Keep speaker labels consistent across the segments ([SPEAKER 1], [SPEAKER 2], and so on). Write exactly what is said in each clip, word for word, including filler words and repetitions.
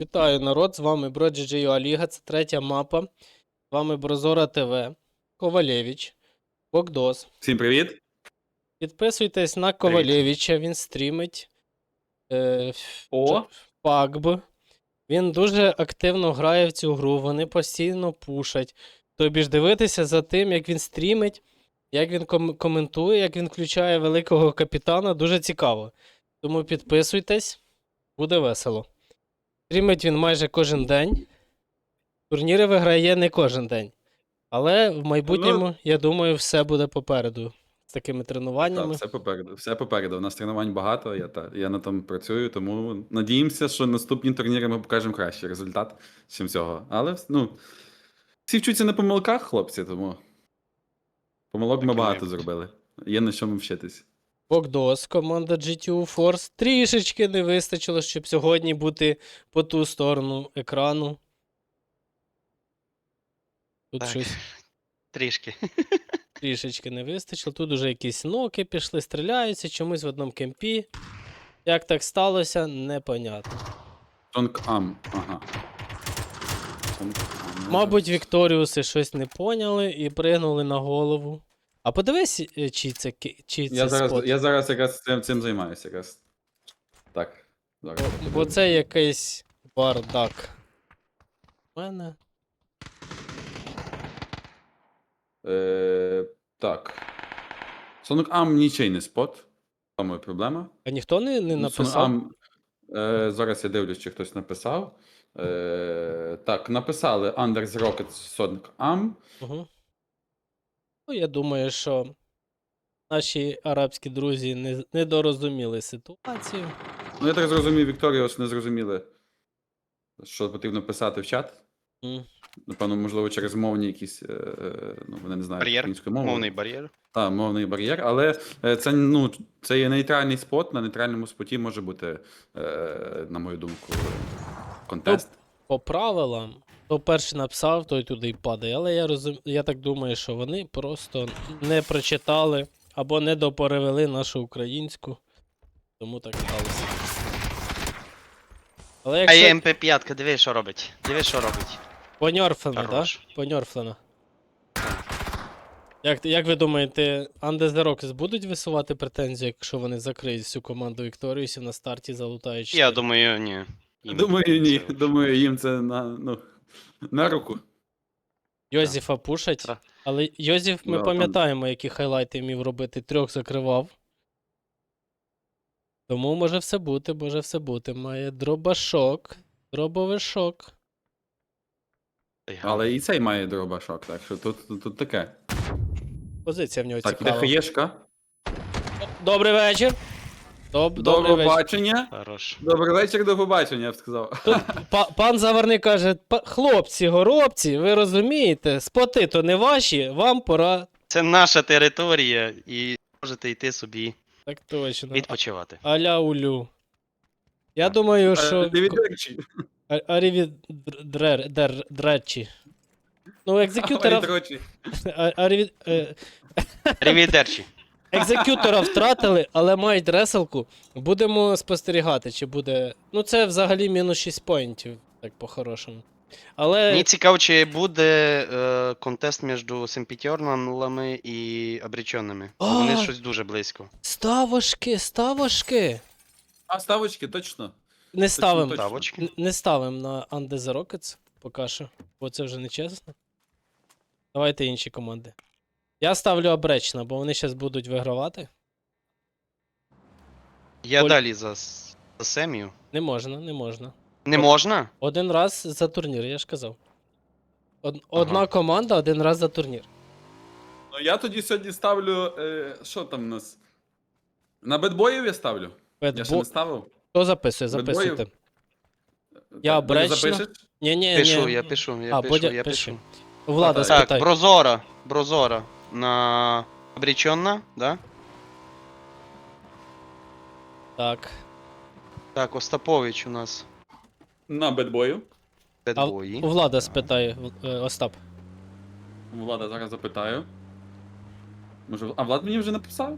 [SPEAKER 1] Вітаю, народ! З вами Бро.джі.джей Ліга, це третя мапа. З вами Брозора ТВ, Ковалєвич, Богдос.
[SPEAKER 2] Всім привіт!
[SPEAKER 1] Підписуйтесь на
[SPEAKER 2] Привіт.
[SPEAKER 1] Ковалєвича, він стрімить е,
[SPEAKER 2] О!
[SPEAKER 1] пабг. Він дуже активно грає в цю гру, вони постійно пушать. Тобі ж дивитися за тим, як він стрімить, як він ком- коментує, як він включає великого капітана, дуже цікаво. Тому підписуйтесь, буде весело. Стрімить він майже кожен день. Турніри виграє не кожен день. Але в майбутньому,
[SPEAKER 2] Ну,
[SPEAKER 1] я думаю, все буде попереду. З такими
[SPEAKER 2] Так,
[SPEAKER 1] тренуваннями.
[SPEAKER 2] все попереду. Все попереду. У нас тренувань багато, я, та, я на тому працюю, тому надіємося, що наступні турніри ми покажемо кращий результат, ніж цього. Але ну, всі вчуться на помилках, хлопці, тому помилок
[SPEAKER 3] Так
[SPEAKER 2] ми
[SPEAKER 3] і
[SPEAKER 2] багато
[SPEAKER 3] має бути.
[SPEAKER 2] зробили. Є на чому вчитись.
[SPEAKER 1] Богдос, команда джі ті ю Force. Трішечки не вистачило, щоб сьогодні бути по ту сторону екрану. Тут
[SPEAKER 3] Так.
[SPEAKER 1] щось
[SPEAKER 3] Трішки.
[SPEAKER 1] трішечки не вистачило. Тут уже якісь ноки пішли, стріляються, чомусь в одному кемпі. Як так сталося, непонятно.
[SPEAKER 2] Тонк Ам. Ага. Тонк Ам.
[SPEAKER 1] Мабуть, Вікторіуси щось не поняли і пригнули на голову. А подивись, е, чи це, ки- чи це
[SPEAKER 2] Я зараз,
[SPEAKER 1] спот.
[SPEAKER 2] я зараз якраз цим, цим займаюся. Якраз. Так. Зараз.
[SPEAKER 1] Бо, бо це якийсь бардак. У мене.
[SPEAKER 2] Е, так. Сонок Ам нічий не спот. Це моя проблема.
[SPEAKER 1] А ніхто не, не
[SPEAKER 2] Ну,
[SPEAKER 1] написав?
[SPEAKER 2] Ам, е, зараз я дивлюсь, чи хтось написав. Е, так, написали Under the Rocket Sonic Am.
[SPEAKER 1] Угу. Ну, я думаю, що наші арабські друзі не, не дорозуміли ситуацію.
[SPEAKER 2] Ну, я так зрозумів, Вікторіус не зрозуміли, що потрібно писати в чат.
[SPEAKER 1] М.
[SPEAKER 2] Напевно, можливо, через мовні якісь, е, е, ну, вони не знають
[SPEAKER 3] Бар'єр.
[SPEAKER 2] української мови.
[SPEAKER 3] Мовний бар'єр.
[SPEAKER 2] Так, мовний бар'єр, але е, це, ну, це є нейтральний спот, на нейтральному споті може бути, е, на мою думку, контест.
[SPEAKER 1] По правилам, хто перший написав, той туди й падає. Але я розум... я так думаю, що вони просто не прочитали або не доперевели нашу українську. Тому так сталося. Але
[SPEAKER 3] А
[SPEAKER 1] якщо
[SPEAKER 3] є ем пі п'ять, диви, що робить. Диви, що робить.
[SPEAKER 1] поньорфлена,
[SPEAKER 3] Хорош.
[SPEAKER 1] да? Поньорфлена. Як, як ви думаєте, Under the Rockets будуть висувати претензії, якщо вони закриють всю команду Вікторіусів на старті, залутають
[SPEAKER 3] Я
[SPEAKER 1] чотири?
[SPEAKER 3] думаю, ні. Їм
[SPEAKER 2] Думаю, ні.
[SPEAKER 3] це-
[SPEAKER 2] Думаю, їм це на, ну, на руку.
[SPEAKER 1] Йозефа пушать,
[SPEAKER 3] Так.
[SPEAKER 1] але Йозеф, ми
[SPEAKER 2] Да, там-
[SPEAKER 1] пам'ятаємо, які хайлайти вмів робити, трьох закривав. Тому може все бути, може все бути. Має дробашок, дробовишок.
[SPEAKER 3] Ой,
[SPEAKER 2] Але і цей має дробашок, так що тут, тут, тут таке.
[SPEAKER 1] Позиція в нього
[SPEAKER 2] Так, іде
[SPEAKER 1] цікава.
[SPEAKER 2] хаєшка.
[SPEAKER 1] Добрий вечір. Доб,
[SPEAKER 2] До
[SPEAKER 1] добрий вечір.
[SPEAKER 2] побачення.
[SPEAKER 3] Хорош.
[SPEAKER 2] Добрий вечір, до побачення, я б сказав.
[SPEAKER 1] Тут па- пан Заварний каже: «Па- хлопці, горобці, ви розумієте, споти то не ваші, вам пора.
[SPEAKER 3] Це наша територія, і можете йти собі
[SPEAKER 1] Так точно.
[SPEAKER 3] відпочивати.
[SPEAKER 1] Аля улю. Я думаю, що.
[SPEAKER 2] Дивідерчі.
[SPEAKER 1] Арівідречі. Ну, екзекютора.
[SPEAKER 2] Дрочі.
[SPEAKER 1] а- аріві- е,
[SPEAKER 3] Рівідерчі.
[SPEAKER 1] Екзекютора втратили, але мають реселку. Будемо спостерігати, чи буде. Ну, це взагалі мінус шість поінтів, так по-хорошому. Але.
[SPEAKER 3] Мені цікаво, чи буде е, контест між Семпітьорналами і обреченими. Бо Вони
[SPEAKER 1] А!
[SPEAKER 3] щось дуже близько.
[SPEAKER 1] Ставошки, ставошки.
[SPEAKER 2] А, ставочки, точно.
[SPEAKER 1] Не ставимо.
[SPEAKER 2] точно.
[SPEAKER 3] Ставочки.
[SPEAKER 1] Н- Не ставимо на Under the Rockets поки що, бо це вже не чесно. Давайте інші команди. Я ставлю обречна, бо вони зараз будуть вигравати.
[SPEAKER 3] Я
[SPEAKER 1] Оль-
[SPEAKER 3] далі за, с- за Семію.
[SPEAKER 1] Не можна, не можна.
[SPEAKER 3] Не можна?
[SPEAKER 1] Один раз за турнір, я ж казав. Од- Одна
[SPEAKER 3] Ага.
[SPEAKER 1] команда один раз за турнір.
[SPEAKER 2] Ну я тоді сьогодні ставлю. Е, що там у нас? На бедбоїв я ставлю. Я ще
[SPEAKER 1] Бедбо...
[SPEAKER 2] не ставив.
[SPEAKER 1] Хто записує?
[SPEAKER 2] Бедбоїв?
[SPEAKER 1] Записуйте.
[SPEAKER 2] Так,
[SPEAKER 1] Я
[SPEAKER 2] Бодя,
[SPEAKER 1] обречно.
[SPEAKER 2] запишеш?
[SPEAKER 1] Ні, ні,
[SPEAKER 3] Пишу,
[SPEAKER 1] ні.
[SPEAKER 3] я пишу, я
[SPEAKER 1] А,
[SPEAKER 3] пишу,
[SPEAKER 1] Бодя,
[SPEAKER 3] я
[SPEAKER 1] пиши.
[SPEAKER 3] пишу.
[SPEAKER 1] Влада,
[SPEAKER 2] Так,
[SPEAKER 1] спитай.
[SPEAKER 3] Так, Брозора. Брозора на обреченна, да?
[SPEAKER 1] Так.
[SPEAKER 3] Так, Остапович у нас
[SPEAKER 2] На бедбою.
[SPEAKER 1] А
[SPEAKER 3] бедбої.
[SPEAKER 1] у Влада спитай, В- е, Остап.
[SPEAKER 2] Влада, зараз запитаю. Може, а Влад мені вже написав?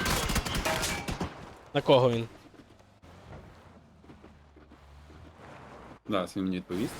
[SPEAKER 1] На кого він?
[SPEAKER 2] Зараз він мені відповість.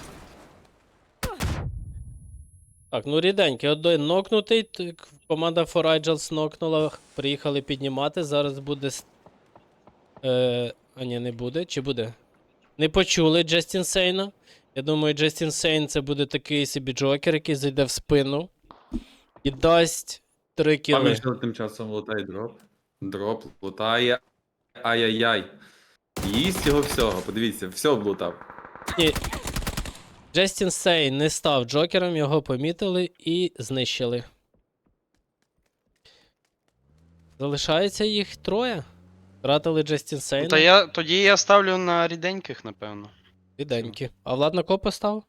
[SPEAKER 1] Так, ну ріденький, один нокнутий. т- Команда For Agils нокнула. Приїхали піднімати. Зараз буде. с- Е, а ні, не буде. Чи буде? Не почули Джестін Сейна. Я думаю, Джестін Сейн це буде такий собі джокер, який зайде в спину і дасть три кіли.
[SPEAKER 2] Пам'ятаю, тим часом лутає дроп. Дроп лутає. Ай-яй-яй. Їсть його всього, подивіться, все облутав.
[SPEAKER 1] Ні. Джестін Сейн не став джокером, його помітили і знищили. Залишається їх троє. Втратили Джестін
[SPEAKER 3] Ну,
[SPEAKER 1] Сейна.
[SPEAKER 3] Та я, тоді я ставлю на ріденьких, напевно.
[SPEAKER 1] Ріденькі. А Влад на кого поставив?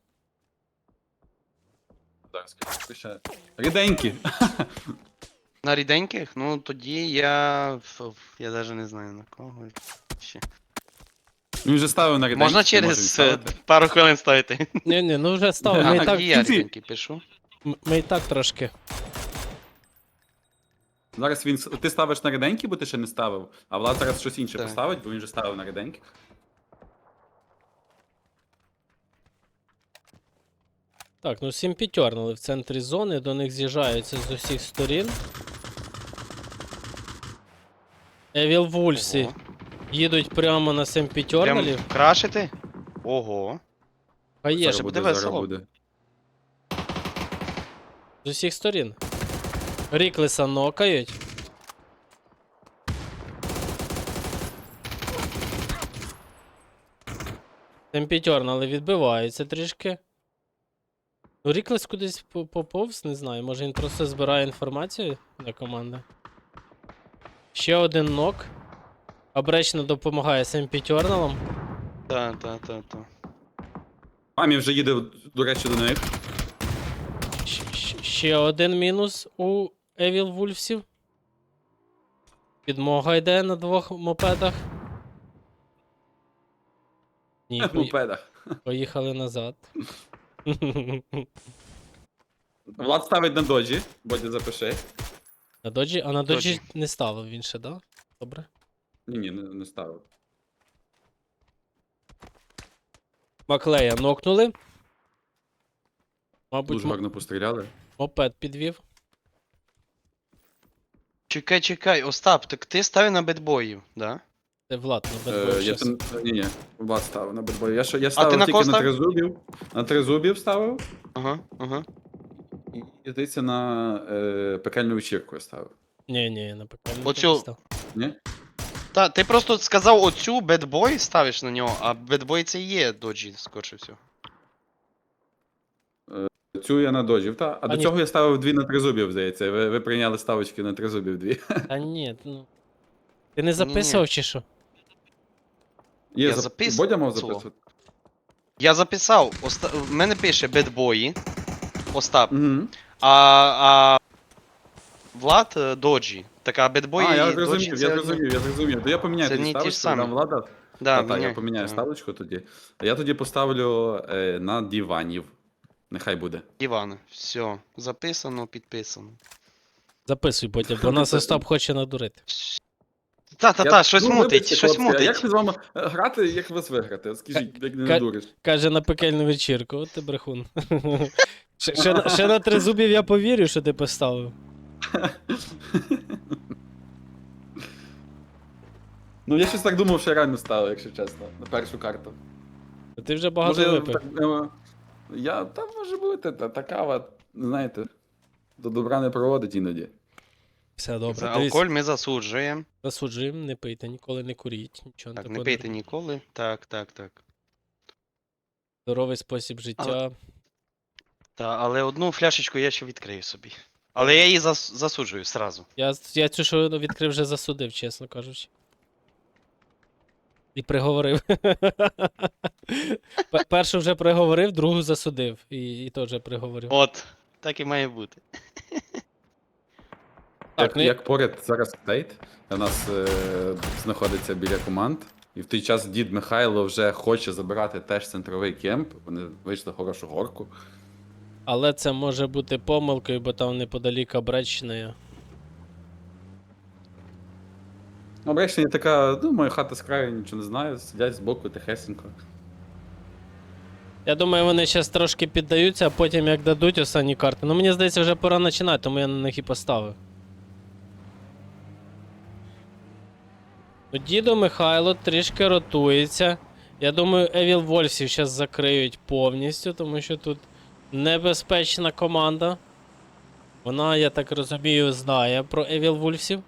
[SPEAKER 2] Зараз, скажу, ще. Ріденькі.
[SPEAKER 3] На ріденьких? Ну тоді я. ф- ф- Я навіть не знаю на кого. Ще.
[SPEAKER 2] Він вже ставив на ріденькі.
[SPEAKER 3] Можна
[SPEAKER 2] то може
[SPEAKER 3] через е,
[SPEAKER 2] відставити.
[SPEAKER 3] пару хвилин ставити.
[SPEAKER 1] Ні, ні, ну вже став. Ми,
[SPEAKER 2] А,
[SPEAKER 1] і
[SPEAKER 3] А,
[SPEAKER 1] так,
[SPEAKER 3] тоді я
[SPEAKER 2] кінці.
[SPEAKER 3] ріденький пишу.
[SPEAKER 1] м- ми і так трошки.
[SPEAKER 2] Зараз він. с- Ти ставиш на ріденькі, бо ти ще не ставив. А Влад зараз щось інше
[SPEAKER 3] Так.
[SPEAKER 2] поставить, бо він вже ставив на ріденьких.
[SPEAKER 1] Так, ну сім п'ятернули в центрі зони, до них з'їжджаються з усіх сторін. Евіл Вульфсі
[SPEAKER 3] Ого.
[SPEAKER 1] їдуть прямо на сім
[SPEAKER 3] Прям
[SPEAKER 1] п'ятернулів.
[SPEAKER 3] крашити? Ого.
[SPEAKER 1] А є
[SPEAKER 3] Зараз
[SPEAKER 1] ж
[SPEAKER 3] буде
[SPEAKER 2] зараз
[SPEAKER 3] весело.
[SPEAKER 2] буде.
[SPEAKER 1] з усіх сторін. Ріклеса нокають. Темпітьорн, але відбиваються трішки. Ну, Ріклес кудись по- поповз, не знаю. Може він просто збирає інформацію для команди. Ще один нок. Обречно допомагає Семпітьорналам.
[SPEAKER 3] Та, та, та, та.
[SPEAKER 2] Мамі вже їде, до речі, до них.
[SPEAKER 1] Щ- щ- Ще один мінус у Евіл Вульфсів. Підмога йде на двох мопедах. Ні,
[SPEAKER 2] В
[SPEAKER 1] пої-
[SPEAKER 2] мопедах.
[SPEAKER 1] поїхали назад.
[SPEAKER 2] Влад ставить на доджі, Бодя запиши.
[SPEAKER 1] На доджі, а на доджі
[SPEAKER 3] Доджі.
[SPEAKER 1] не ставив він ще, да? Добре.
[SPEAKER 2] Ні, ні, не, не ставив.
[SPEAKER 1] Маклея нокнули. Мабуть,
[SPEAKER 2] Дуже
[SPEAKER 1] мо-
[SPEAKER 2] гарно постріляли.
[SPEAKER 1] мопед підвів.
[SPEAKER 3] Чекай, чекай, Остап, так ти ставив на бедбоїв, да?
[SPEAKER 1] Це Влад на
[SPEAKER 2] Е,
[SPEAKER 1] бедбой
[SPEAKER 2] я
[SPEAKER 1] щас.
[SPEAKER 2] там, ні, ні, Влад ставив на бедбой. Я, ще- я ставив
[SPEAKER 3] на
[SPEAKER 2] тільки
[SPEAKER 3] кого
[SPEAKER 2] на
[SPEAKER 3] ставив?
[SPEAKER 2] тризубів. На тризубів ставив.
[SPEAKER 3] Ага, ага.
[SPEAKER 2] І, і здається, на е, пекельну вечірку я ставив.
[SPEAKER 1] Ні, ні, на пекельник
[SPEAKER 3] Оцю-
[SPEAKER 1] не став.
[SPEAKER 2] Ні?
[SPEAKER 3] Та, ти просто сказав оцю бедбой ставиш на нього, а бедбой це і є доджі, скорше всього.
[SPEAKER 2] Цю я на доджів, та. А,
[SPEAKER 1] А
[SPEAKER 2] до
[SPEAKER 1] ні.
[SPEAKER 2] цього я ставив дві на тризубів, здається. Ви, ви прийняли ставочки на тризубів дві.
[SPEAKER 1] Та ні, ну. Ти не записував чи що?
[SPEAKER 2] Є
[SPEAKER 3] Я
[SPEAKER 2] зап-
[SPEAKER 3] запис-
[SPEAKER 2] Бодя мав
[SPEAKER 3] цього.
[SPEAKER 2] записувати.
[SPEAKER 3] Я записав, Оста... в мене пише бедбої, Остап,
[SPEAKER 2] Угу.
[SPEAKER 3] а, а Влад е, доджі. Так, а бедбої
[SPEAKER 2] А, я
[SPEAKER 3] і доджі
[SPEAKER 2] зрозумів,
[SPEAKER 3] це...
[SPEAKER 2] я
[SPEAKER 3] одне.
[SPEAKER 2] зрозумів, я зрозумів. То я поміняю
[SPEAKER 3] Це
[SPEAKER 2] тоді
[SPEAKER 3] не ті ж
[SPEAKER 2] ставочку,
[SPEAKER 3] самі.
[SPEAKER 2] дам Влада.
[SPEAKER 3] Да,
[SPEAKER 2] Та, та, я
[SPEAKER 3] міняй.
[SPEAKER 2] поміняю
[SPEAKER 3] Ага.
[SPEAKER 2] ставочку тоді. А я тоді поставлю е, на диванів. Нехай буде.
[SPEAKER 3] Іван, все, записано, підписано.
[SPEAKER 1] Записуй потім, бо нас
[SPEAKER 2] Записуй.
[SPEAKER 1] Остап хоче надурити.
[SPEAKER 3] Та-та-та,
[SPEAKER 2] Я-
[SPEAKER 3] щось
[SPEAKER 2] ну,
[SPEAKER 3] мутить,
[SPEAKER 2] вибачте,
[SPEAKER 3] щось
[SPEAKER 2] хлопці, а Як
[SPEAKER 3] мутить.
[SPEAKER 2] ви з вами е, грати, як вас виграти? От Скажіть, як не
[SPEAKER 1] Ка-
[SPEAKER 2] надуриш.
[SPEAKER 1] Каже на пекельну вечірку, от ти брехун. ще, ще, на- ще на три зубів я повірю, що ти поставив.
[SPEAKER 2] Ну я щось так думав, що я реально ставив, якщо чесно, на першу карту.
[SPEAKER 1] Ти вже багато
[SPEAKER 2] Може,
[SPEAKER 1] випив.
[SPEAKER 2] так, е, я, та може бути, та, та кава, знаєте, до добра не проводить іноді.
[SPEAKER 1] Все добре.
[SPEAKER 3] За
[SPEAKER 1] Дивись,
[SPEAKER 3] алкоголь ми засуджуємо.
[SPEAKER 1] засуджуємо, не пийте, ніколи не куріть. Нічого
[SPEAKER 3] Так,
[SPEAKER 1] такого
[SPEAKER 3] не пийте ніколи. Так, так, так.
[SPEAKER 1] Здоровий спосіб життя.
[SPEAKER 3] Та, але одну фляшечку я ще відкрию собі. Але я її зас... засуджую сразу.
[SPEAKER 1] Я, я цю, що відкрив, вже засудив, чесно кажучи. І приговорив. Пе- Першу вже приговорив, другу засудив. І, і теж приговорив.
[SPEAKER 3] От, так і має бути.
[SPEAKER 1] Так,
[SPEAKER 2] як,
[SPEAKER 1] ну,
[SPEAKER 2] як поряд зараз стейт, у нас е, знаходиться біля команд, і в той час дід Михайло вже хоче забирати теж центровий кемп, вони вийшли хорошу горку.
[SPEAKER 1] Але це може бути помилкою, бо там неподалік Обречної.
[SPEAKER 2] Обречення така, ну, моя хата з краю, нічого не знаю, сидять збоку тихесенько.
[SPEAKER 1] Я думаю, вони зараз трошки піддаються, а потім як дадуть останні карти. Ну мені здається, вже пора починати, тому я на них і поставив. Ну, дідо Михайло трішки ротується. Я думаю, Evil Wolvesів зараз закриють повністю, тому що тут небезпечна команда. Вона, я так розумію, знає про Evil Wolvesів.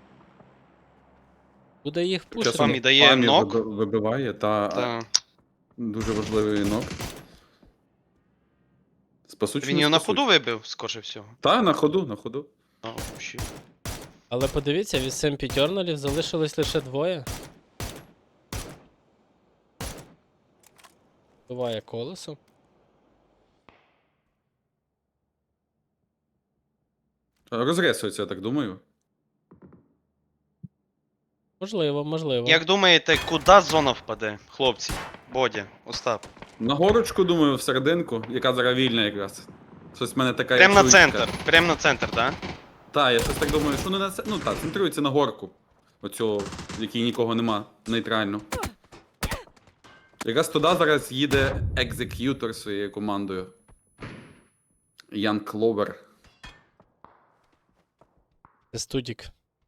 [SPEAKER 1] Буде їх пушити.
[SPEAKER 3] Памі дає
[SPEAKER 2] Памі
[SPEAKER 3] нок.
[SPEAKER 2] виби- вибиває, та
[SPEAKER 3] Та.
[SPEAKER 2] дуже важливий нок. Спасуть, чи
[SPEAKER 3] Він
[SPEAKER 2] не
[SPEAKER 3] його на
[SPEAKER 2] спасуть?
[SPEAKER 3] ходу вибив, скорше всього.
[SPEAKER 2] Та, на ходу, на ходу.
[SPEAKER 3] А, вообще.
[SPEAKER 1] Але подивіться, від Семпі Тьорналів залишилось лише двоє. Буває колесо.
[SPEAKER 2] Розрисується, я так думаю.
[SPEAKER 1] Можливо, можливо.
[SPEAKER 3] Як думаєте, куди зона впаде, хлопці? Бодя, Остап.
[SPEAKER 2] На горочку, думаю, в серединку, яка зараз вільна якраз. Щось в мене така
[SPEAKER 3] Прям на
[SPEAKER 2] інтуїція.
[SPEAKER 3] центр, прям на центр, да?
[SPEAKER 2] Так, я щось так думаю, що не на це. Ну так, центрується на горку. Оцю, в якій нікого нема, нейтрально. Якраз туди зараз їде екзек'ютор своєю командою. Ян Кловер.
[SPEAKER 1] Це студік.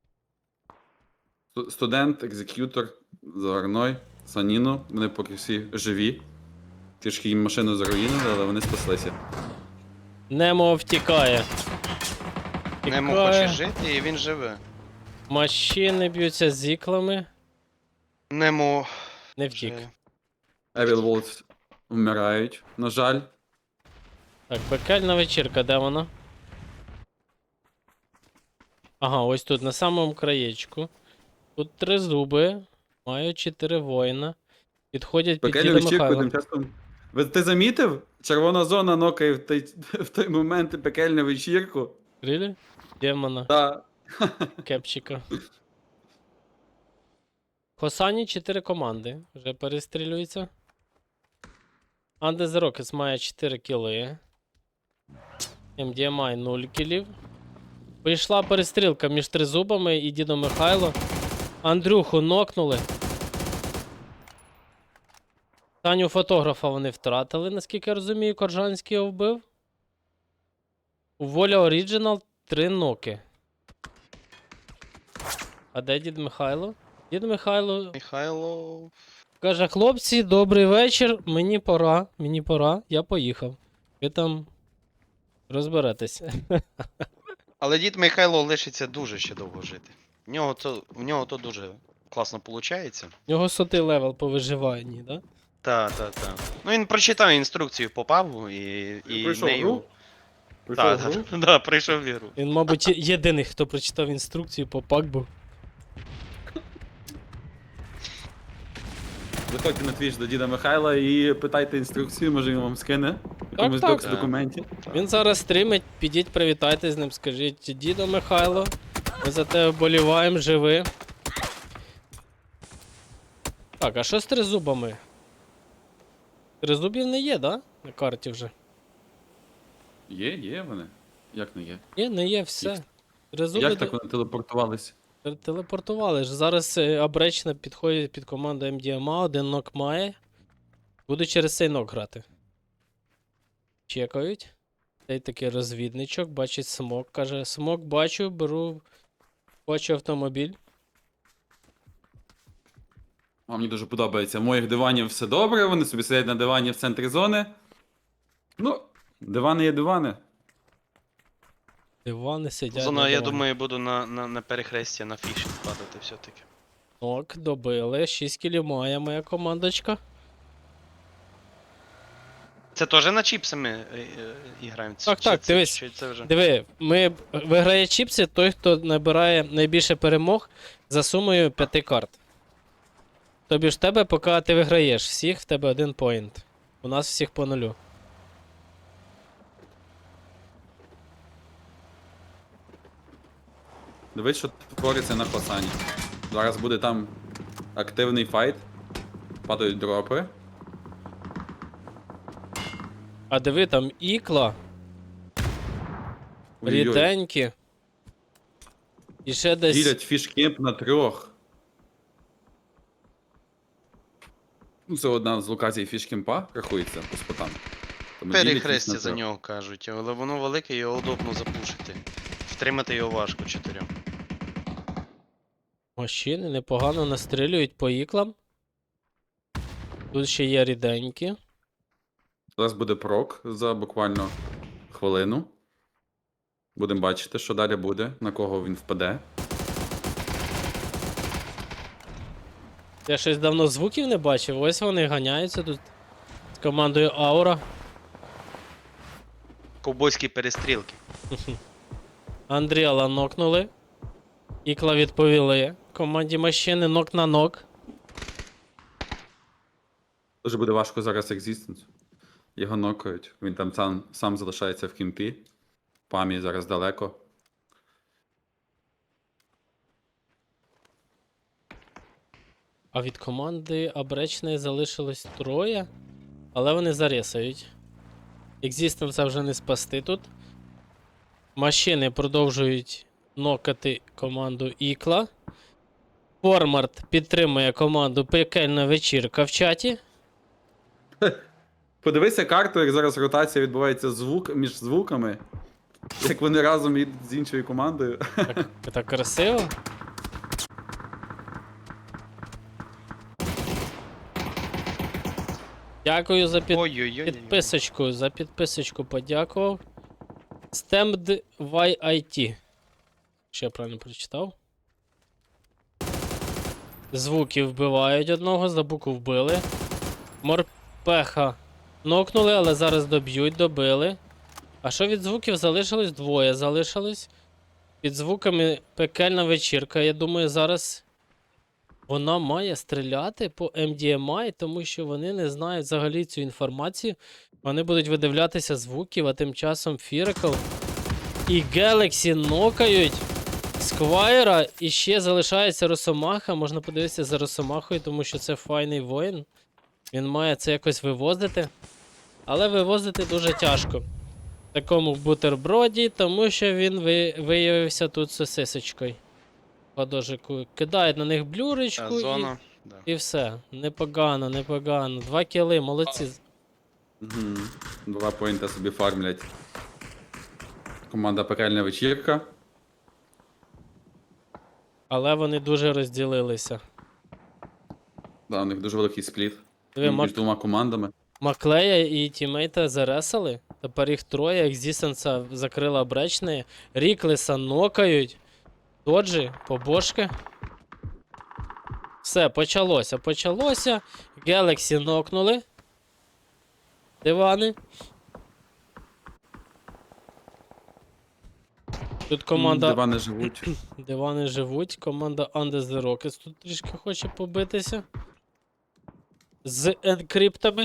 [SPEAKER 2] Сту- Студент, екзек'ютор, Загарной, Саніно. Вони поки всі живі. Трішки їм машину заруїнили, але вони спаслися.
[SPEAKER 1] Немо втікає.
[SPEAKER 3] Немо
[SPEAKER 1] Втікає.
[SPEAKER 3] хоче жити і він живе.
[SPEAKER 1] Машини б'ються з іклами.
[SPEAKER 3] Немо
[SPEAKER 1] Не втік.
[SPEAKER 3] вже...
[SPEAKER 2] Evil Wolves вмирають, на жаль.
[SPEAKER 1] Так, пекельна вечірка, де вона? Ага, ось тут, на самому краєчку. Тут три зуби, мають чотири воїна. Підходять під
[SPEAKER 2] Пекельну
[SPEAKER 1] діда
[SPEAKER 2] вечірку
[SPEAKER 1] Михайла.
[SPEAKER 2] тим часом. Ви ти замітив? Червона зона нокає в той, в той момент пекельну вечірку.
[SPEAKER 1] Рілі? Демона,
[SPEAKER 2] Та
[SPEAKER 1] кепчика. Хосані чотири команди. Вже перестрілюються. Andes Rockets має чотири кіли. ем ді ем ай нуль кілів. Прийшла перестрілка між тризубами і дідом Михайло. Андрюху нокнули. Таню фотографа вони втратили, наскільки я розумію, Коржанський його вбив. У Воля Оріджинал три ноки. А де дід Михайло? Дід Михайло
[SPEAKER 3] Михайло...
[SPEAKER 1] каже: хлопці, добрий вечір, мені пора, мені пора, я поїхав. Ви там розберетеся.
[SPEAKER 3] Але дід Михайло лишиться дуже ще довго жити. В нього то, в нього то дуже класно виходить.
[SPEAKER 1] У нього сотий левел по виживанні, да?
[SPEAKER 3] Та, та, та. Ну він прочитав інструкцію по пабу і, і
[SPEAKER 2] пройшов
[SPEAKER 3] нею...
[SPEAKER 2] гру? Прийшов
[SPEAKER 3] Та,
[SPEAKER 2] в гру?
[SPEAKER 3] та, да, прийшов в ігру.
[SPEAKER 1] Він, мабуть, є- єдиний, хто прочитав інструкцію по пакбу.
[SPEAKER 2] Заходьте на твіч до діда Михайла і питайте інструкцію, може він вам скине. В якомусь
[SPEAKER 1] так.
[SPEAKER 2] докс
[SPEAKER 3] Так.
[SPEAKER 2] документі.
[SPEAKER 1] Він зараз стрімить, підіть, привітайте з ним, скажіть: дідо Михайло, ми за тебе вболіваємо, живи. Так, а що з тризубами? Тризубів не є, да? На карті вже.
[SPEAKER 2] Є, є вони. Як не є?
[SPEAKER 1] Є, не є, все.
[SPEAKER 2] Їх-
[SPEAKER 1] Тризуби
[SPEAKER 2] Як
[SPEAKER 1] де-
[SPEAKER 2] так вони телепортувалися?
[SPEAKER 1] те- телепортували ж. Зараз е, Абречна підходить під команду ем ді ем ей, один нок має. Буду через цей нок грати. Чекають. Цей такий розвідничок, бачить смок, каже: смок бачу, беру, бачу автомобіль.
[SPEAKER 2] А мені дуже подобається. В моїх диванів все добре, вони собі сидять на дивані в центрі зони. Ну, дивани є дивани.
[SPEAKER 1] Дивани сидять.
[SPEAKER 3] Зона,
[SPEAKER 1] на
[SPEAKER 3] я
[SPEAKER 1] дивані.
[SPEAKER 3] думаю, буду на, на, на перехресті на фішинг падати все-таки.
[SPEAKER 1] Нок, добили. шість кілів має моя командочка.
[SPEAKER 3] Це теж на чіпсами е, е, і граємо?
[SPEAKER 1] Так,
[SPEAKER 3] Чи
[SPEAKER 1] так,
[SPEAKER 3] це-
[SPEAKER 1] дивись.
[SPEAKER 3] Чи це вже?
[SPEAKER 1] Диви, ми виграє чіпси той, хто набирає найбільше перемог за сумою п'яти карт. Тобі ж в тебе, поки ти виграєш всіх, в тебе один поінт. У нас всіх по нулю.
[SPEAKER 2] Дивись, що твориться на Хосані. Зараз буде там активний файт. Падають дропи.
[SPEAKER 1] А диви, там ікла,
[SPEAKER 2] Ой-ой-ой.
[SPEAKER 1] ріденькі. І ще десь.
[SPEAKER 2] Ділять фішкемп на трьох. Ну, це одна з локацій фішкемпа, рахується по спотам. Тому ділять
[SPEAKER 3] Перехрестя
[SPEAKER 2] на
[SPEAKER 3] за
[SPEAKER 2] трьох.
[SPEAKER 3] нього кажуть, але воно велике, його удобно запушити. Втримати його важко чотирьом.
[SPEAKER 1] Машини непогано настрілюють по іклам. Тут ще є ріденькі.
[SPEAKER 2] Зараз буде прок за буквально хвилину. Будемо бачити, що далі буде, на кого він впаде.
[SPEAKER 1] Я щось давно звуків не бачив. Ось вони ганяються тут з командою Аура.
[SPEAKER 3] Ковбойські перестрілки.
[SPEAKER 1] Андріала нокнули. Ікла відповіли. Команді машини нок на нок.
[SPEAKER 2] Дуже буде важко зараз екзістенс. Його нокають. Він там сам, сам залишається в кімпі. Памі зараз далеко.
[SPEAKER 1] А від команди Абречної залишилось троє. Але вони зарісають. Екзістенса вже не спасти тут. Машини продовжують нокати команду Ікла. Формарт підтримує команду Пекельна вечірка в чаті.
[SPEAKER 2] Подивися карту, як зараз ротація відбувається звук між звуками. Як вони разом їдуть з іншою командою.
[SPEAKER 1] Так, так красиво. Дякую за під...
[SPEAKER 3] Ой-ой-ой.
[SPEAKER 1] підписочку. За підписочку подякував. Stamped вай ай ті. Ще я правильно прочитав. Звуки вбивають одного, за букву вбили. Морпеха нокнули, але зараз доб'ють, добили. А що від звуків залишилось? Двоє залишилось. Під звуками пекельна вечірка. Я думаю, зараз вона має стріляти по ем ді ем ай, тому що вони не знають взагалі цю інформацію. Вони будуть видивлятися звуків, а тим часом Фірикл і Galaxy нокають Сквайра, і ще залишається Росомаха. Можна подивитися за Росомахою, тому що це файний воїн. Він має це якось вивозити. Але вивозити дуже тяжко. В такому бутерброді, тому що він ви... виявився тут сосисочкою. Подожику. Кидають на них блюречку
[SPEAKER 3] Та,
[SPEAKER 1] і...
[SPEAKER 3] зона. Да.
[SPEAKER 1] і все. Непогано, непогано. Два кіли, молодці.
[SPEAKER 2] Мгм. Два поінта собі фармлять. Команда Пекельна вечірка.
[SPEAKER 1] Але вони дуже розділилися.
[SPEAKER 2] Да, у них дуже великий спліт.
[SPEAKER 1] Диви,
[SPEAKER 2] Між
[SPEAKER 1] Мак...
[SPEAKER 2] двома командами.
[SPEAKER 1] Маклея і тімейта заресали. Тепер їх троє. Екзістенса закрила бречне. Ріклеса нокають. Доджі, побошки. Все, почалося, почалося. Galaxy нокнули. Дивани. Тут команда.
[SPEAKER 2] Дивани живуть.
[SPEAKER 1] Дивани живуть. Команда Under the Rockets тут трішки хоче побитися. З енкриптами.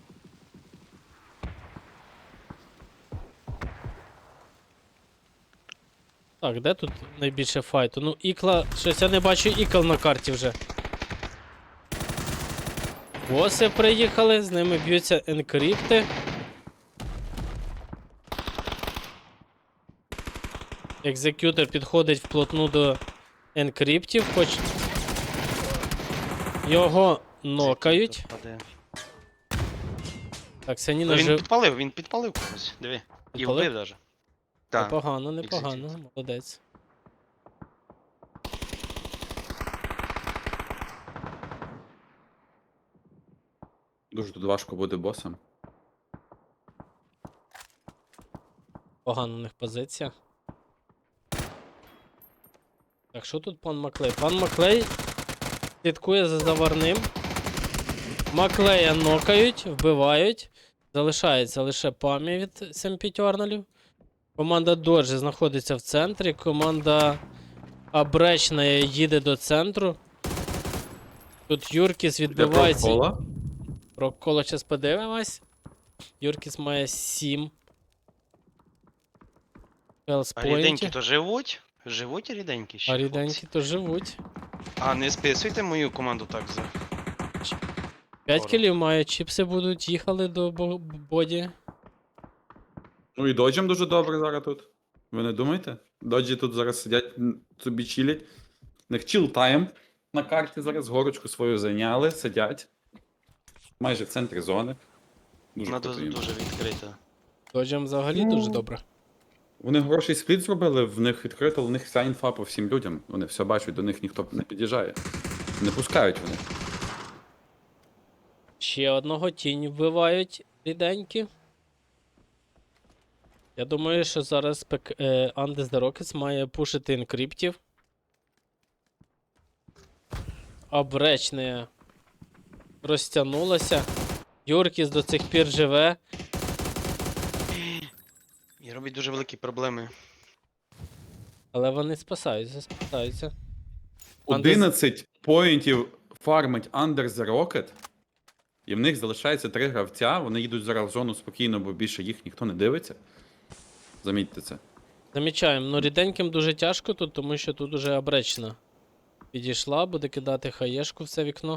[SPEAKER 1] Так, де тут найбільше файту? Ну, ікла. Щось я не бачу ікл на карті вже. Боси приїхали, з ними б'ються енкрипти. Екзекютор підходить вплотну до енкриптів, хоч його нокають.
[SPEAKER 3] Паде.
[SPEAKER 1] Так, Саніна
[SPEAKER 3] Ну, він
[SPEAKER 1] жив.
[SPEAKER 3] підпалив, він підпалив когось. Диви. І
[SPEAKER 1] Підпалив?
[SPEAKER 3] вбив даже. Так.
[SPEAKER 1] Непогано, непогано,
[SPEAKER 3] Екзекютор.
[SPEAKER 1] молодець.
[SPEAKER 2] Дуже тут важко буде босом.
[SPEAKER 1] Погана у них позиція. Так, що тут пан Маклей? Пан Маклей слідкує за заварним. Маклея нокають, вбивають. Залишається лише пам'ять від семпітьорналів. Команда Доджі знаходиться в центрі. Команда Абречна їде до центру. Тут Юркіс відбивається.
[SPEAKER 2] Кола.
[SPEAKER 1] Про коло зараз подивимось. Юркіс має сім.
[SPEAKER 3] А
[SPEAKER 1] Хелспойнтів.
[SPEAKER 3] ріденькі то живуть? Живуть ріденькі ще.
[SPEAKER 1] А
[SPEAKER 3] хлопці?
[SPEAKER 1] ріденькі то живуть.
[SPEAKER 3] А не списуйте мою команду так за.
[SPEAKER 1] П'ять
[SPEAKER 3] Добре.
[SPEAKER 1] кілів мають, чіпси будуть, їхали до бо- боді.
[SPEAKER 2] Ну і доджем дуже добре зараз тут. Ви не думаєте? Доджі тут зараз сидять, м, собі чилять. У них чіл тайм на карті зараз, горочку свою зайняли, сидять. Майже в центрі зони. Дуже
[SPEAKER 3] Вона
[SPEAKER 2] круто
[SPEAKER 3] дуже,
[SPEAKER 2] їм.
[SPEAKER 3] дуже відкрита.
[SPEAKER 1] Доджем взагалі дуже добре.
[SPEAKER 2] Вони хороший спліт зробили, в них відкрито, у них вся інфа по всім людям. Вони все бачать, до них ніхто не під'їжджає. Не пускають вони.
[SPEAKER 1] Ще одного тінь вбивають ріденькі. Я думаю, що зараз пек... е, Andes the Rockets має пушити інкриптів. Обречне розтягнулося. Юркіс до цих пір живе.
[SPEAKER 3] І робить дуже великі проблеми.
[SPEAKER 1] Але вони спасаються, спасаються. Andes-
[SPEAKER 2] одинадцять поінтів фармить Under the Rocket, і в них залишається три гравця, вони їдуть зараз в зону спокійно, бо більше їх ніхто не дивиться. Замітьте це.
[SPEAKER 1] Замічаємо, ну ріденьким дуже тяжко тут, тому що тут уже обречна підійшла, буде кидати хаєшку в це вікно.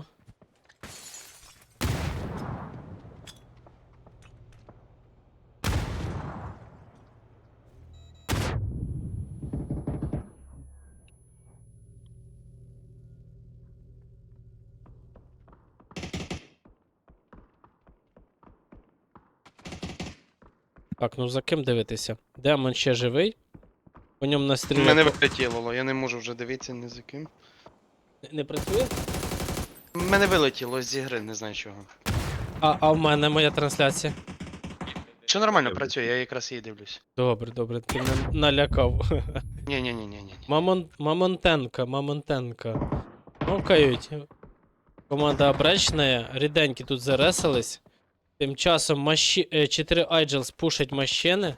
[SPEAKER 1] Так, ну за ким дивитися? Демон ще живий. По ньому
[SPEAKER 3] У
[SPEAKER 1] настріляє.
[SPEAKER 3] мене вилетіло, я не можу вже дивитися ні за ким.
[SPEAKER 1] Не працює?
[SPEAKER 3] У мене вилетіло з ігри, не знаю чого.
[SPEAKER 1] А, а в мене моя трансляція.
[SPEAKER 3] Що нормально працює, я якраз її дивлюсь.
[SPEAKER 1] Добре, добре, ти мене налякав.
[SPEAKER 3] Ні, ні, ні, ні, ні.
[SPEAKER 1] Мамон... Мамонтенка, Мамонтенка. Мовкають. Команда обречна, ріденькі тут заресались. Тим часом маші... е, чотири Айджелс пушать машини.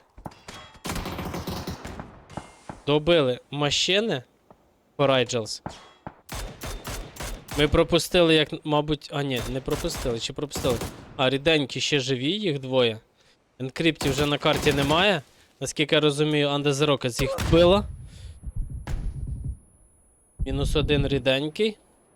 [SPEAKER 1] Добили машини. For Айджелс. Ми пропустили, як, мабуть. А, ні, не пропустили, чи пропустили. А, ріденькі ще живі, їх двоє. Енкриптів вже на карті немає. Наскільки я розумію, Andes the Rockets їх вбила. Мінус один ріденький.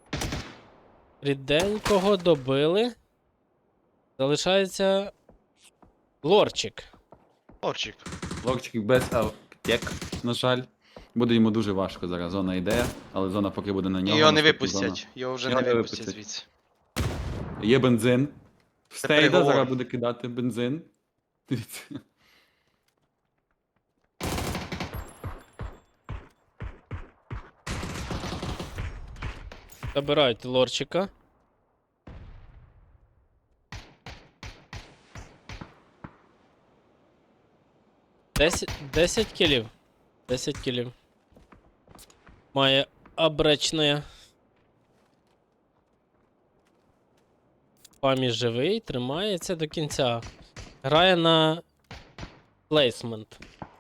[SPEAKER 1] Ріденького добили. Залишається лорчик.
[SPEAKER 3] Орчик.
[SPEAKER 2] Локчик без аптек, на жаль. Буде йому дуже важко зараз. Зона йде, але зона поки буде на
[SPEAKER 3] І
[SPEAKER 2] нього.
[SPEAKER 3] його не
[SPEAKER 2] наступна
[SPEAKER 3] випустять.
[SPEAKER 2] зона.
[SPEAKER 3] Його вже
[SPEAKER 2] Його
[SPEAKER 3] не
[SPEAKER 2] не
[SPEAKER 3] випустять
[SPEAKER 2] випустять.
[SPEAKER 3] звідси.
[SPEAKER 2] Є бензин. Стейда
[SPEAKER 3] приговор.
[SPEAKER 2] зараз буде кидати бензин. Дивіться.
[SPEAKER 1] Забирають лорчика. Десять, десять кілів. Десять кілів. Має обречне. Памі живий, тримається до кінця. Грає на плейсмент.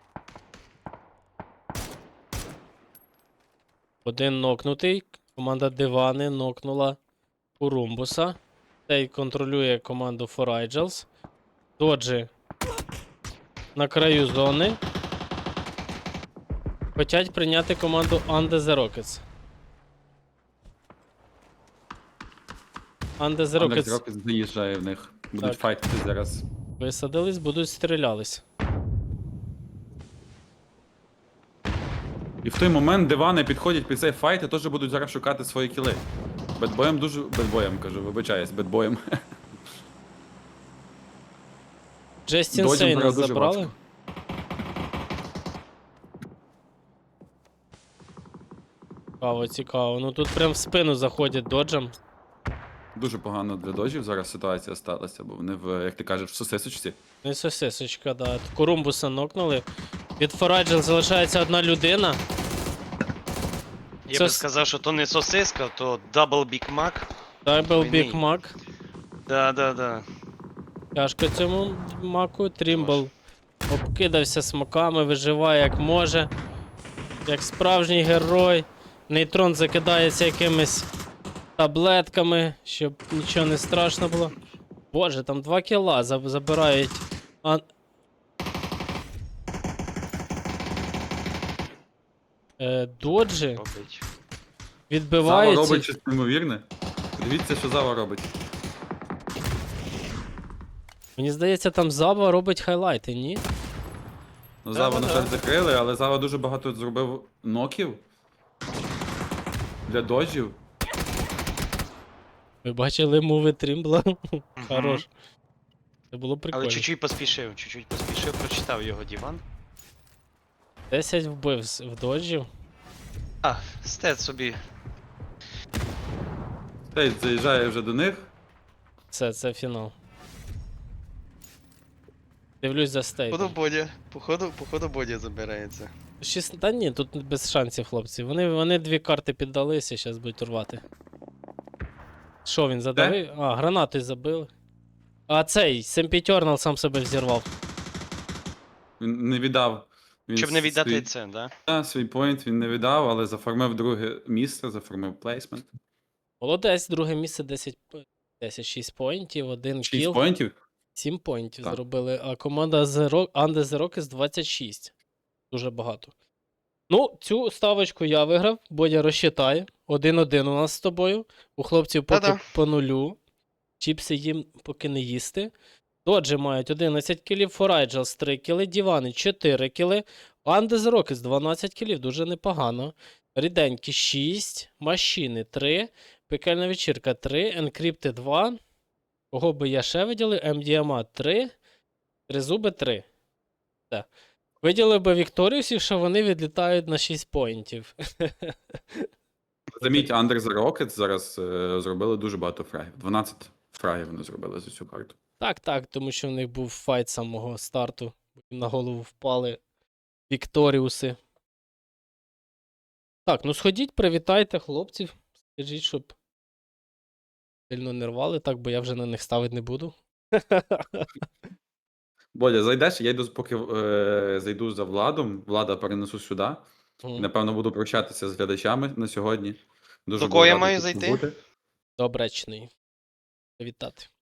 [SPEAKER 1] Один нокнутий. Команда Дивани нокнула Урумбуса. Цей контролює команду For Айджелс. Доджі на краю зони. Хотять прийняти команду Andes the Rockets. Andes the
[SPEAKER 2] Андерс
[SPEAKER 1] Rockets
[SPEAKER 2] Рокетс заїжджає в них. Будуть
[SPEAKER 1] Так.
[SPEAKER 2] файтити зараз.
[SPEAKER 1] висадились, будуть стрілялись.
[SPEAKER 2] І в той момент дивани підходять під цей файт і теж будуть зараз шукати свої кіли. Бедбоєм дуже. Бедбоєм кажу, вибачаюсь, бедбоєм.
[SPEAKER 1] Джестін
[SPEAKER 2] Доджем
[SPEAKER 1] Сейна
[SPEAKER 2] зараз дуже
[SPEAKER 1] забрали.
[SPEAKER 2] важко.
[SPEAKER 1] Цікаво, цікаво. Ну тут прям в спину заходять доджем.
[SPEAKER 2] Дуже погано для дожів зараз ситуація сталася, бо вони в, як ти кажеш, в сосисочці.
[SPEAKER 1] Ну і сосисочка, да. Корумбуса нокнули. Від Фораджел залишається одна людина.
[SPEAKER 3] Я
[SPEAKER 1] Це
[SPEAKER 3] би
[SPEAKER 1] с-
[SPEAKER 3] сказав, що то не сосиска, то Double Big Mac.
[SPEAKER 1] Дайбл
[SPEAKER 3] Ні.
[SPEAKER 1] Біг Мак.
[SPEAKER 3] Да, да, да.
[SPEAKER 1] Тяжко цьому маку. Трімбл обкидався смоками, виживає як може. Як справжній герой. Нейтрон закидається якимись таблетками, щоб нічого не страшно було. Боже, там два кіла заб- забирають. А... Е, доджі
[SPEAKER 3] Робить.
[SPEAKER 2] Зава
[SPEAKER 1] відбиваються.
[SPEAKER 2] робить щось неймовірне. Дивіться, що Зава робить.
[SPEAKER 1] Мені здається, там Зава робить хайлайти, ні?
[SPEAKER 2] Ну,
[SPEAKER 3] Да,
[SPEAKER 2] Зава,
[SPEAKER 3] да,
[SPEAKER 2] на
[SPEAKER 3] да.
[SPEAKER 2] жаль, закрили, але Зава дуже багато зробив ноків. Для доджів.
[SPEAKER 1] Ви бачили муви Трімбла? Хорош. Це було
[SPEAKER 3] Але
[SPEAKER 1] прикольно.
[SPEAKER 3] чуть-чуть поспішив, чуть-чуть поспішив, прочитав його диван.
[SPEAKER 1] десять вбив з- в доджів.
[SPEAKER 3] А, стет собі.
[SPEAKER 2] Цей заїжджає вже до них.
[SPEAKER 1] Це, це фінал. Дивлюсь за
[SPEAKER 3] Походу
[SPEAKER 1] стейтом.
[SPEAKER 3] Бодя. Походу, походу Бодя забирається.
[SPEAKER 1] Шість... Та ні, тут без шансів, хлопці. Вони, вони дві карти піддалися, зараз будуть рвати. Що він задавив? А, гранати забили. А цей, Семпітьорнал сам себе взірвав.
[SPEAKER 2] Він не віддав. Він
[SPEAKER 3] Щоб не віддати
[SPEAKER 2] свій,
[SPEAKER 3] це, да?
[SPEAKER 2] та, свій поінт він не віддав, але заформив друге місце, заформив плейсмент.
[SPEAKER 1] Молодець, друге місце десять, п- десять шість поінтів, один
[SPEAKER 2] Шість
[SPEAKER 1] кіл,
[SPEAKER 2] поінтів.
[SPEAKER 1] сім поінтів
[SPEAKER 2] Так.
[SPEAKER 1] зробили, а команда The Rock, Under the Rockets двадцять шість. Дуже багато. Ну, цю ставочку я виграв, Бодя розчитає. один-один у нас з тобою. У хлопців поки
[SPEAKER 3] Та-да.
[SPEAKER 1] по нулю. Чіпси їм поки не їсти. Доджі мають одинадцять кілів, Форайджелс три кіли, Дівани чотири кіли, Under the Rockets дванадцять кілів, дуже непогано. Ріденькі шість, Машини три, Пекельна вечірка три, Енкрипти два. Кого би я ще виділив? ем ді ем ей три, Тризуби три. Так. Виділив би Вікторіусів, що вони відлітають на шість поінтів.
[SPEAKER 2] Заміть, Under the Rockets зараз е, зробили дуже багато фрагів. дванадцять фрагів вони зробили за цю карту.
[SPEAKER 1] Так, так, тому що в них був файт з самого старту. Їм на голову впали Вікторіуси. Так, ну сходіть, привітайте хлопців. Скажіть, щоб сильно не рвали, так, бо я вже на них ставити не буду.
[SPEAKER 2] Бодя, зайдеш, я йду, поки е, зайду за Владом, Влада перенесу сюди.
[SPEAKER 1] Мгм.
[SPEAKER 2] Напевно, буду прощатися з глядачами на сьогодні. Дуже
[SPEAKER 3] До
[SPEAKER 2] був
[SPEAKER 3] кого я
[SPEAKER 2] радий
[SPEAKER 3] маю
[SPEAKER 2] тут
[SPEAKER 3] зайти?
[SPEAKER 2] побути.
[SPEAKER 1] Добречний. Привітати.